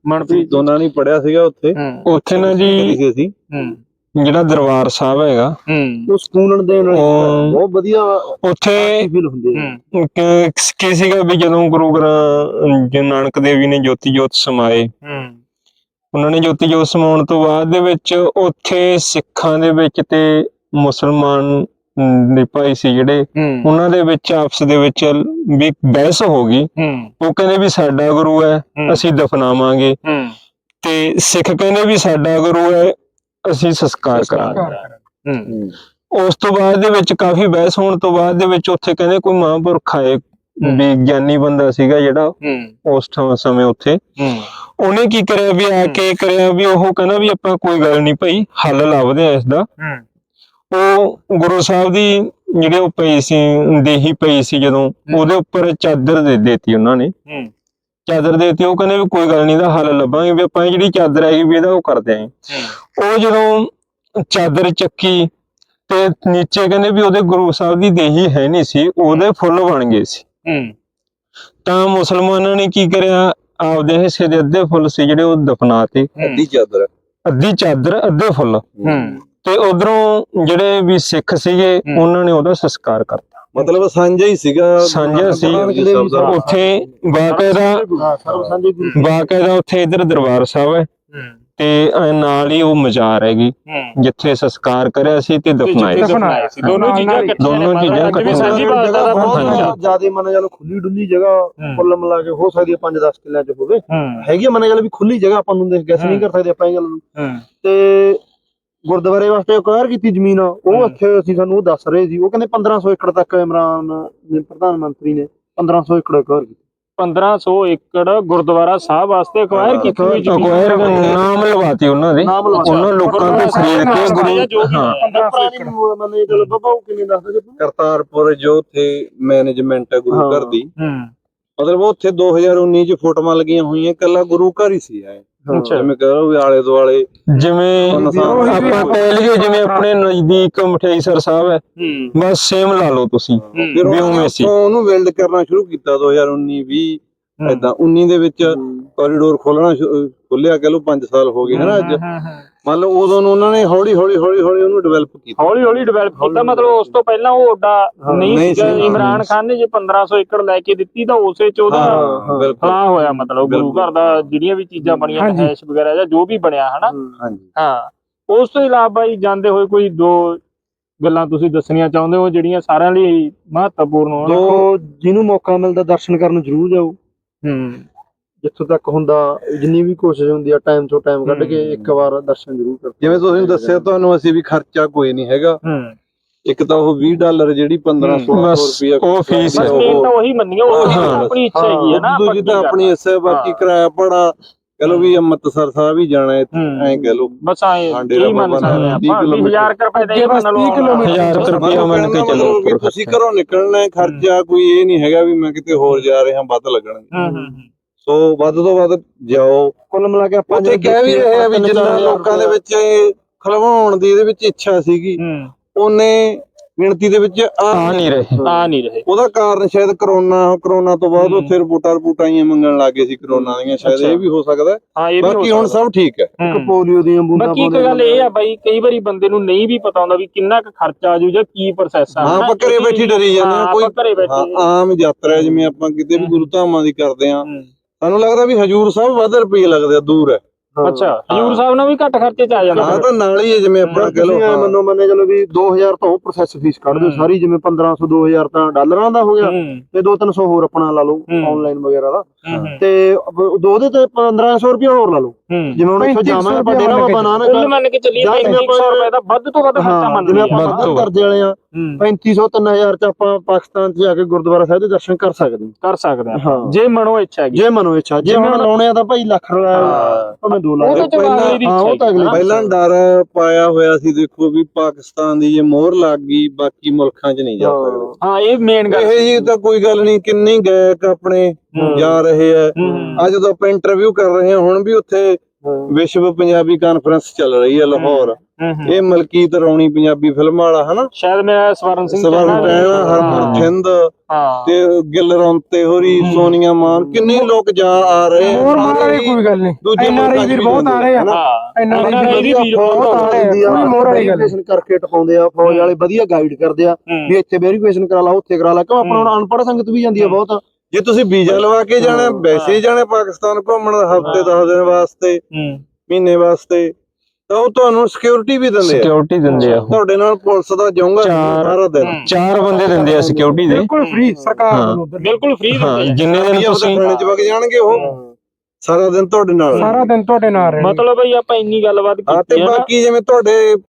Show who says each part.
Speaker 1: ਮਨਪ੍ਰੀਤ ਦੋਨਾਂ ਨੇ ਪੜਿਆ ਸੀਗਾ ਉੱਥੇ
Speaker 2: ਨਾ ਜੀ
Speaker 1: ਅਸੀਂ
Speaker 2: ਜਿਹੜਾ ਦਰਬਾਰ ਸਾਹਿਬ ਹੈਗਾ
Speaker 1: ਉਹ ਸਕੂਨ ਦੇਣ ਵਾਲੀ ਬਹੁਤ ਵਧੀਆ
Speaker 2: ਉੱਥੇ
Speaker 1: ਫੀਲ ਹੁੰਦੀ ਹੈ।
Speaker 2: ਕੀ ਸੀਗਾ ਵੀ ਜਦੋਂ ਗੁਰੂ ਗ੍ਰੰਥ ਨਾਨਕ ਦੇਵ ਜੀ ਨੇ ਜੋਤੀ ਜੋਤ ਸਮਾਏ, ਉਹਨਾਂ ਨੇ ਜੋਤੀ ਜੋਤ ਸਮਾਉਣ ਤੋਂ ਬਾਅਦ ਦੇ ਵਿੱਚ ਉੱਥੇ ਸਿੱਖਾਂ ਦੇ ਵਿੱਚ ਤੇ ਮੁਸਲਮਾਨ ਦੇ ਭਾਈ ਸੀ ਜਿਹੜੇ, ਉਹਨਾਂ ਦੇ ਵਿੱਚ ਆਪਸ ਦੇ ਵਿੱਚ ਵੀ ਬਹਿਸ ਹੋ ਗਈ। ਉਹ ਕਹਿੰਦੇ ਵੀ ਸਾਡਾ ਗੁਰੂ ਹੈ ਅਸੀਂ ਦਫਨਾਵਾਂਗੇ, ਤੇ ਸਿੱਖ ਕਹਿੰਦੇ ਵੀ ਸਾਡਾ ਗੁਰੂ ਹੈ ਅਸੀਂ ਸੰਸਕਾਰ ਕਰਾਂਗੇ। ਉਸ ਤੋਂ ਬਾਅਦ ਦੇ ਵਿੱਚ ਕਾਫੀ ਬਹਿਸ ਹੋਣ ਤੋਂ ਬਾਅਦ ਦੇ ਵਿੱਚ ਉੱਥੇ ਕਹਿੰਦੇ ਕੋਈ ਮਹਾਂਪੁਰਖ ਆਏ ਵੀ ਗਿਆਨੀ ਬੰਦਾ ਸੀਗਾ ਜਿਹੜਾ ਉਸ ਸਮੇਂ ਉੱਥੇ, ਉਹਨੇ ਕੀ ਕਰਿਆ ਵੀ ਆ ਕੇ ਕਰਿਆ ਵੀ ਉਹ ਕਹਿੰਦਾ ਵੀ ਆਪਾਂ ਕੋਈ ਗੱਲ ਨੀ ਭਾਈ ਹੱਲ ਲੱਭਦੇ ਆ ਇਸ ਦਾ। ਉਹ ਗੁਰੂ ਸਾਹਿਬ ਦੀ ਜਿਹੜੇ ਉਹ ਪਈ ਸੀ ਦੇਹੀ ਪਈ ਸੀ ਜਦੋਂ, ਉਹਦੇ ਉੱਪਰ ਚਾਦਰ ਦੇ ਦਿੱਤੀ ਉਹਨਾਂ ਨੇ, ਚਾਦਰ ਦੇਤੀ। ਉਹ ਕਹਿੰਦੇ ਵੀ ਕੋਈ ਗੱਲ ਨੀ ਇਹਦਾ ਹੱਲ ਲੱਭਾਂਗੇ, ਵੀ ਆਪਾਂ ਜਿਹੜੀ ਚਾਦਰ ਹੈਗੀ ਵੀ ਇਹਦਾ ਉਹ ਕਰਦੇ ਆਂ। ਉਹ ਜਦੋਂ ਚਾਦਰ ਚੱਕੀ ਤੇ ਨੀਚੇ ਕਹਿੰਦੇ ਵੀ ਉਹਦੇ ਗੁਰੂ ਸਾਹਿਬ ਦੀ ਦੇਹੀ ਹੈ ਨੀ ਸੀ, ਉਹਦੇ ਫੁੱਲ ਬਣ ਗਏ ਸੀ। ਤਾਂ ਮੁਸਲਮਾਨਾਂ ਨੇ ਕੀ ਕਰਿਆ, ਆਪਦੇ ਹਿੱਸੇ ਦੇ ਅੱਧੇ ਫੁੱਲ ਸੀ ਜਿਹੜੇ ਉਹ ਦਫਨਾ ਤੇ, ਅੱਧੀ ਚਾਦਰ ਅੱਧੇ ਫੁੱਲ, ਤੇ ਉਧਰੋਂ ਜਿਹੜੇ ਵੀ ਸਿੱਖ ਸੀਗੇ ਉਹਨਾਂ ਨੇ ਉਹਦਾ ਸੰਸਕਾਰ ਕਰਤਾ।
Speaker 1: ਮਤਲਬ ਸਾਂਝਾ ਹੀ ਸੀਗਾ,
Speaker 2: ਸਾਂਝਾ ਸੀ ਉੱਥੇ ਬਾਕਾਇਦਾ ਉੱਥੇ ਇੱਧਰ ਦਰਬਾਰ ਸਾਹਿਬ ਹੈ ਤੇ ਨਾਲ ਹੀ ਉਹ ਮਜ਼ਾਰ ਹੈਗੀ ਜਿੱਥੇ ਸੰਸਕਾਰ ਕਰਿਆ ਸੀ ਤੇ ਦਫਨਾਏ ਸੀ। ਦੋਨੋਂ ਚੀਜ਼ਾਂ
Speaker 1: ਜਿਆਦਾ ਮੰਨ ਚਲੋ ਖੁੱਲੀ ਡੁੱਲੀ ਜਗ੍ਹਾ ਕੁੱਲ ਮਿਲਾ ਕੇ ਹੋ ਸਕਦੀ ਹੈ 5-10 ਕਿੱਲਿਆਂ ਚ ਹੋਵੇ, ਹੈਗੀ ਮੰਨ ਚਲੋ ਵੀ ਖੁੱਲੀ ਜਗ੍ਹਾ ਆਪਾਂ ਨੂੰ ਗੈਸ ਨਹੀਂ ਕਰ ਸਕਦੇ ਆਪਾਂ ਇਹ ਗੱਲ ਨੂੰ। ਤੇ ਗੁਰਦੁਆਰੇ ਵਾਸਤੇ ਅਕਵਾਇਰ ਕੀਤੀ ਜ਼ਮੀਨ, ਉਹ ਇੱਥੇ ਅਸੀਂ ਸਾਨੂੰ ਉਹ ਦੱਸ ਰਹੇ ਸੀ, ਉਹ ਕਹਿੰਦੇ 1500 ਏਕੜ ਤੱਕ ਇਮਰਾਨ ਨੇ ਪ੍ਰਧਾਨ ਮੰਤਰੀ ਨੇ 1500 ਏਕੜ ਅਕਵਾਇਰ ਕੀਤੀ।
Speaker 3: 1500 ਏਕੜ ਗੁਰਦੁਆਰਾ ਸਾਹਿਬ ਵਾਸਤੇ ਅਕਵਾਇਰ ਕੀਤੀ ਹੋਈ ਜ਼ਮੀਨ,
Speaker 2: ਨਾਮ ਲਵਾਤੀ ਉਹਨਾਂ ਦੇ, ਉਹਨਾਂ ਲੋਕਾਂ ਤੋਂ ਖਰੀਦ ਕੇ
Speaker 1: ਕਰਤਾਰਪੁਰ ਜੋ ਉੱਥੇ ਮੈਨੇਜਮੈਂਟ ਹੈ ਗੁਰੂ ਘਰ ਦੀ, ਮਤਲਬ ਉੱਥੇ 2019 ਚ ਫੋਟੋਆਂ ਲੱਗੀਆਂ ਹੋਈਆਂ, ਇਕੱਲਾ ਗੁਰੂ ਘਰ ਹੀ ਸੀ। ਜਿਵੇਂ ਕਹੋ ਵੀ ਆਲੇ ਦੁਆਲੇ
Speaker 2: ਜਿਵੇਂ ਆਪਾਂ ਕਹਿ ਲਈਏ ਜਿਵੇਂ ਆਪਣੇ ਨਜ਼ਦੀਕ ਮਠਿਆਈਸਰ ਸਾਹਿਬ ਹੈ, ਬਸ ਸੇਮ ਲਾ ਲਓ ਤੁਸੀਂ ਵੀ ਉਵੇਂ ਸੀ।
Speaker 1: ਉਹਨੂੰ ਬਿਲਡ ਕਰਨਾ ਸ਼ੁਰੂ ਕੀਤਾ 2019-20 ਏਦਾਂ 19 ਦੇ ਵਿੱਚ ਕੋਰੀਡੋਰ ਖੋਲਿਆ, ਕਹ ਲਓ 5 ਸਾਲ ਹੋ ਗਏ ਹਨਾ ਅੱਜ। ਮੰਨ ਲਓ ਉਦੋਂ ਨੂੰ ਉਹਨਾਂ ਨੇ ਹੌਲੀ ਹੌਲੀ ਉਹਨੂੰ ਡਿਵੈਲਪ ਕੀਤਾ,
Speaker 3: ਮਤਲਬ ਉਸ ਤੋਂ ਪਹਿਲਾਂ ਉਹ ਓਡਾ ਨਹੀਂ ਸੀਗਾ। ਇਮਰਾਨ ਖਾਨ ਨੇ ਜੇ 1500 ਏਕੜ ਲੈ ਕੇ ਦਿੱਤੀ ਤਾਂ ਉਸੇ ਚ ਉਹਦਾ ਫਲਾਹ ਹੋਇਆ, ਮਤਲਬ ਗੁਰੂ ਘਰ ਦਾ ਜਿਹੜੀਆਂ ਵੀ ਚੀਜ਼ਾਂ ਬਣੀਆਂ ਹੈਸ਼ ਵਗੈਰਾ ਜਾਂ ਜੋ ਵੀ ਬਣਿਆ ਹਨਾ। ਹਾਂ, ਉਸ ਤੋਂ ਇਲਾਵਾ ਬਾਈ ਜਾਂਦੇ ਹੋਏ ਕੋਈ 2 ਗੱਲਾਂ ਤੁਸੀਂ ਦੱਸਣੀਆਂ ਚਾਹੁੰਦੇ ਹੋ ਜਿਹੜੀਆਂ ਸਾਰਿਆਂ ਲਈ ਮਹੱਤਵਪੂਰਨ ਹੋਣ?
Speaker 1: ਜਿਹਨੂੰ ਮੌਕਾ ਮਿਲਦਾ ਦਰਸ਼ਨ ਕਰਨ ਜ਼ਰੂਰ ਜਾਓ, ਜਿੱਥੋਂ ਤੱਕ ਹੁੰਦਾ ਜਿੰਨੀ ਵੀ ਕੋਸ਼ਿਸ਼ ਹੁੰਦੀ ਆ ਟਾਈਮ ਤੋਂ ਟਾਈਮ ਕੱਢ ਕੇ ਇੱਕ ਵਾਰ ਦਰਸ਼ਨ ਜ਼ਰੂਰ ਕਰੋ। ਜਿਵੇਂ ਤੁਸੀਂ ਦੱਸਿਆ ਤੁਹਾਨੂੰ ਅਸੀਂ ਵੀ ਖਰਚਾ ਕੋਈ ਨਹੀਂ ਹੈਗਾ, ਇੱਕ ਤਾਂ ਉਹ $20 ਜਿਹੜੀ 1500 ਰੁਪਇਆ
Speaker 2: ਉਹ ਫੀਸ ਹੈ,
Speaker 3: ਉਹੀ ਮੰਨੀਓ ਆਪਣੀ ਇੱਛਾ ਹੈਗੀ ਹੈ ਨਾ,
Speaker 1: ਦੂਜੀ ਤਾਂ ਆਪਣੀ ਇੱਛਾ, ਬਾਕੀ ਕਿਰਾਇਆ ਭਾੜਾ ਕਹ ਲੋ ਵੀ ਅੰਮ੍ਰਿਤਸਰ ਸਾਹਿਬ ਹੀ ਜਾਣਾ ਐਂ ਕਹ ਲੋ,
Speaker 3: ਬਸ ਕੀ ਮੰਨ ਸਕਦੇ ਆਪਾਂ 20000 ਰੁਪਏ ਦਾ ਹੀ ਮੰਨ ਲਓ,
Speaker 2: 1000 ਰੁਪਇਆ ਮੰਨ ਕੇ ਚੱਲੋ।
Speaker 1: ਤੁਸੀਂ ਘਰੋਂ ਨਿਕਲਣਾ ਖਰਚਾ ਕੋਈ ਇਹ ਨਹੀਂ ਹੈਗਾ ਵੀ ਮੈਂ ਕਿਤੇ ਹੋਰ ਜਾ ਰਿਹਾ ਵੱਧ ਲੱਗਣਗੇ, ਸੋ ਵੱਧ ਤੋਂ ਵੱਧ ਜਾਓ। ਕੁੱਲ ਮਿਲਾ ਕੇ ਆਪਾਂ ਕਹਿ ਵੀ ਰਹੇ ਆ ਵੀ ਜਿੰਨਾ ਲੋਕਾਂ ਦੇ ਵਿੱਚ ਖਲਵਾਉਣ ਦੀ ਇਹਦੇ ਵਿੱਚ ਇੱਛਾ ਸੀਗੀ, ਉਹਨੇ ਗਿਣਤੀ ਦੇ ਵਿੱਚ ਆ ਨਹੀਂ ਰਹੇ। ਉਹਦਾ ਕਾਰਨ ਸ਼ਾਇਦ ਕਰੋਨਾ ਤੋਂ ਬਾਅਦ ਉੱਥੇ ਰਿਪੋਰਟਾਂ ਹੀ ਮੰਗਣ ਲੱਗੇ ਸੀ ਕਰੋਨਾ ਦੀਆਂ, ਸ਼ਾਇਦ ਇਹ ਵੀ ਹੋ ਸਕਦਾ। ਬਾਕੀ ਹੁਣ ਸਭ ਠੀਕ ਹੈ।
Speaker 3: ਪੋਲੀਓ ਦੀਆਂ ਬੂੰਦਾਂ, ਬਾਕੀ ਇੱਕ ਗੱਲ ਇਹ ਆ ਬਾਈ, ਕਈ ਵਾਰੀ ਬੰਦੇ ਨੂੰ ਨਹੀਂ ਵੀ ਪਤਾ ਹੁੰਦਾ ਵੀ ਕਿੰਨਾ ਕੁ ਖਰਚਾ ਆ ਜੂ ਜਾਂ ਕੀ ਪ੍ਰੋਸੈਸ ਆ।
Speaker 1: ਆਪਾਂ ਘਰੇ ਬੈਠੀ ਡਰੀ ਜਾਂਦੇ ਆ, ਕੋਈ ਆਮ ਯਾਤਰਾ ਜਿਵੇਂ ਆਪਾਂ ਕਿਤੇ ਵੀ ਗੁਰੂ ਧਾਮਾਂ ਦੀ ਕਰਦੇ ਆ, ਸਾਨੂੰ ਲੱਗਦਾ ਵੀ ਹਜੂਰ ਸਾਹਿਬ ਵੱਧ ਰੁਪਏ ਲੱਗਦੇ ਆ, ਦੂਰ ਹੈ।
Speaker 3: ਅੱਛਾ, ਹਜੂਰ ਸਾਹਿਬ ਨਾਲ ਵੀ ਘੱਟ ਖਰਚੇ ਚ ਆ ਜਾਂਦਾ।
Speaker 1: ਹਾਂ, ਤਾਂ ਨਾਲ ਹੀ ਹੈ, ਜਿਵੇਂ ਆਪਾਂ ਕਹ ਲਓ ਮੰਨੇ ਚਲੋ ਵੀ 2000 ਤਾਂ ਉਹ ਪ੍ਰੋਸੈਸ ਫੀਸ ਕੱਢ ਦਿਓ ਸਾਰੀ, ਜਿਵੇਂ 1500 2000 ਤਾਂ ਡਾਲਰਾਂ ਦਾ ਹੋ ਗਿਆ, ਤੇ 200-300 ਹੋਰ ਆਪਣਾ ਲਾ ਲਓ ਆਨਲਾਈਨ ਵਗੈਰਾ ਦਾ, ਤੇ ਉਹਦੇ ਤੇ 1500 ਰੁਪਇਆ ਹੋਰ ਲਾ ਲਓ। ਜਿਵੇਂ ਹੁਣ ਇੱਥੋਂ ਜਾਵਾਂਗੇ ਆਪਾਂ ਡੇਰਾ ਬਾਬਾ ਨਾਨਕ,
Speaker 3: ਮੰਨ ਕੇ ਚੱਲੀਏ 300 ਰੁਪਏ ਦਾ ਵੱਧ ਤੋਂ ਵੱਧ ਖਰਚਾ ਮੰਨ
Speaker 1: ਜਿਵੇਂ ਆਪਾਂ ਵੱਧ ਕਰਦੇ ਵਾਲੇ ਆ, 3500-3000 ਚ ਆਪਾਂ ਪਾਕਿਸਤਾਨ ਚ ਜਾ ਕੇ ਗੁਰਦੁਆਰਾ ਸਾਹਿਬ ਦੇ ਦਰਸ਼ਨ ਕਰ ਸਕਦੇ ਹਾਂ,
Speaker 3: ਜੇ ਮਨੋ ਇੱਛਾ ਹੈਗੀ,
Speaker 1: ਜੇ ਮਨੋ ਇੱਛਾ। ਜੇ ਹੁਣ ਲਾਉਣੇ ਆ ਤਾਂ ਭਾਈ ਲੱਖ ਰੁਪਏ 2 ਲੱਖ ਪਹਿਲਾਂ ਡਰ ਪਾਇਆ ਹੋਇਆ ਸੀ, ਦੇਖੋ ਵੀ ਪਾਕਿਸਤਾਨ ਦੀ ਜੇ ਮੋਹਰ ਲੱਗ ਗਈ ਬਾਕੀ ਮੁਲਕਾਂ 'ਚ ਨਹੀਂ ਜਾ ਸਕਦੇ।
Speaker 3: ਹਾਂ, ਇਹ ਮੇਨ ਗੱਲ
Speaker 1: ਇਹ ਜੀ ਤਾਂ ਕੋਈ ਗੱਲ ਨਹੀਂ, ਕਿੰਨੇ ਗਾਇਕ ਆਪਣੇ ਜਾ ਰਹੇ ਆ। ਅੱਜ ਜਦੋਂ ਆਪਾਂ ਇੰਟਰਵਿਊ ਕਰ ਰਹੇ ਹਾਂ, ਹੁਣ ਵੀ ਉੱਥੇ ਵਿਸ਼ਵ ਪੰਜਾਬੀ ਕਾਨਫਰੰਸ ਚੱਲ ਰਹੀ ਹੈ ਲਾਹੌਰ। ਇਹ ਮਲਕੀਤ ਰੌਣੀ ਪੰਜਾਬੀ ਫਿਲਮ ਵਾਲਾ ਹਨਾ,
Speaker 3: ਸ਼ਾਇਦ ਮੈਂ ਸਵਰਨ ਸਿੰਘ
Speaker 1: ਹਰਮਨ ਥਿੰਦ ਤੇ ਗਿੱਲ ਰੌਂਤੇ ਹੋਰੀ, ਸੋਨੀਆ ਮਾਨ, ਕਿੰਨੇ ਲੋਕ ਜਾ ਆ ਰਹੇ ਆ।
Speaker 4: ਕੋਈ ਗੱਲ ਨਹੀਂ,
Speaker 1: ਦੂਜੇ ਮੁਲਕਾਂ ਚ ਵੀ
Speaker 4: ਬਹੁਤ ਆ ਰਹੇ ਆ,
Speaker 5: ਵੈਰੀਫਿਕੇਸ਼ਨ ਕਰਕੇ ਟਪਾਉਂਦੇ ਆ ਫੌਜ ਵਾਲੇ, ਵਧੀਆ ਗਾਈਡ ਕਰਦੇ ਆ ਵੀ ਇੱਥੇ ਵੈਰੀਫਿਕੇਸ਼ਨ ਕਰਾ ਲਾ, ਉੱਥੇ ਕਰਾ ਲਾ, ਕਿਉਂ ਆਪਣਾ ਹੁਣ ਅਨਪੜ੍ਹ ਸੰਗਤ ਵੀ ਜਾਂਦੀ ਆ ਬਹੁਤ।
Speaker 1: ਜੇ ਤੁਸੀਂ ਵੀਜ਼ਾ ਲਵਾ ਕੇ ਜਾਣਾ, ਵੈਸੇ ਹੀ ਜਾਣਾ ਪਾਕਿਸਤਾਨ ਘੁੰਮਣ ਹਫ਼ਤੇ 10 ਦਿਨ ਵਾਸਤੇ, ਮਹੀਨੇ ਵਾਸਤੇ, ਤਾਂ ਉਹ ਤੁਹਾਨੂੰ ਸਿਕਿਉਰਿਟੀ ਵੀ ਦਿੰਦੇ ਆ।
Speaker 2: ਸਿਕਿਉਰਿਟੀ ਦਿੰਦੇ ਆ,
Speaker 1: ਤੁਹਾਡੇ ਨਾਲ ਪੁਲਿਸ ਦਾ ਜਾਊਗਾ ਸਾਰਾ ਦਿਨ,
Speaker 2: 4 ਬੰਦੇ ਦਿੰਦੇ ਆ ਸਿਕਿਉਰਿਟੀ ਦੇ,
Speaker 4: ਬਿਲਕੁਲ ਫ੍ਰੀ ਸਰਕਾਰ ਵੱਲੋਂ,
Speaker 3: ਬਿਲਕੁਲ ਫ੍ਰੀ ਦਿੰਦੇ ਆ।
Speaker 2: ਜਿੰਨੇ ਦਿਨ ਤੁਸੀਂ
Speaker 1: ਥਾਣੇ ਚ ਵਗ ਜਾਣਗੇ ਉਹ ਸਾਰਾ ਦਿਨ ਤੁਹਾਡੇ ਨਾਲ
Speaker 4: ਸਾਰਾ ਦਿਨ ਤੁਹਾਡੇ ਨਾਲ ਰਹੇ।
Speaker 3: ਮਤਲਬ ਬਈ ਆਪਾਂ ਇੰਨੀ ਗੱਲਬਾਤ
Speaker 1: ਤੇ
Speaker 3: ਕੀਤੀ ਹੈ ਨਾ।
Speaker 1: ਬਾਕੀ ਜਿਵੇਂ ਤੁਹਾਡੇ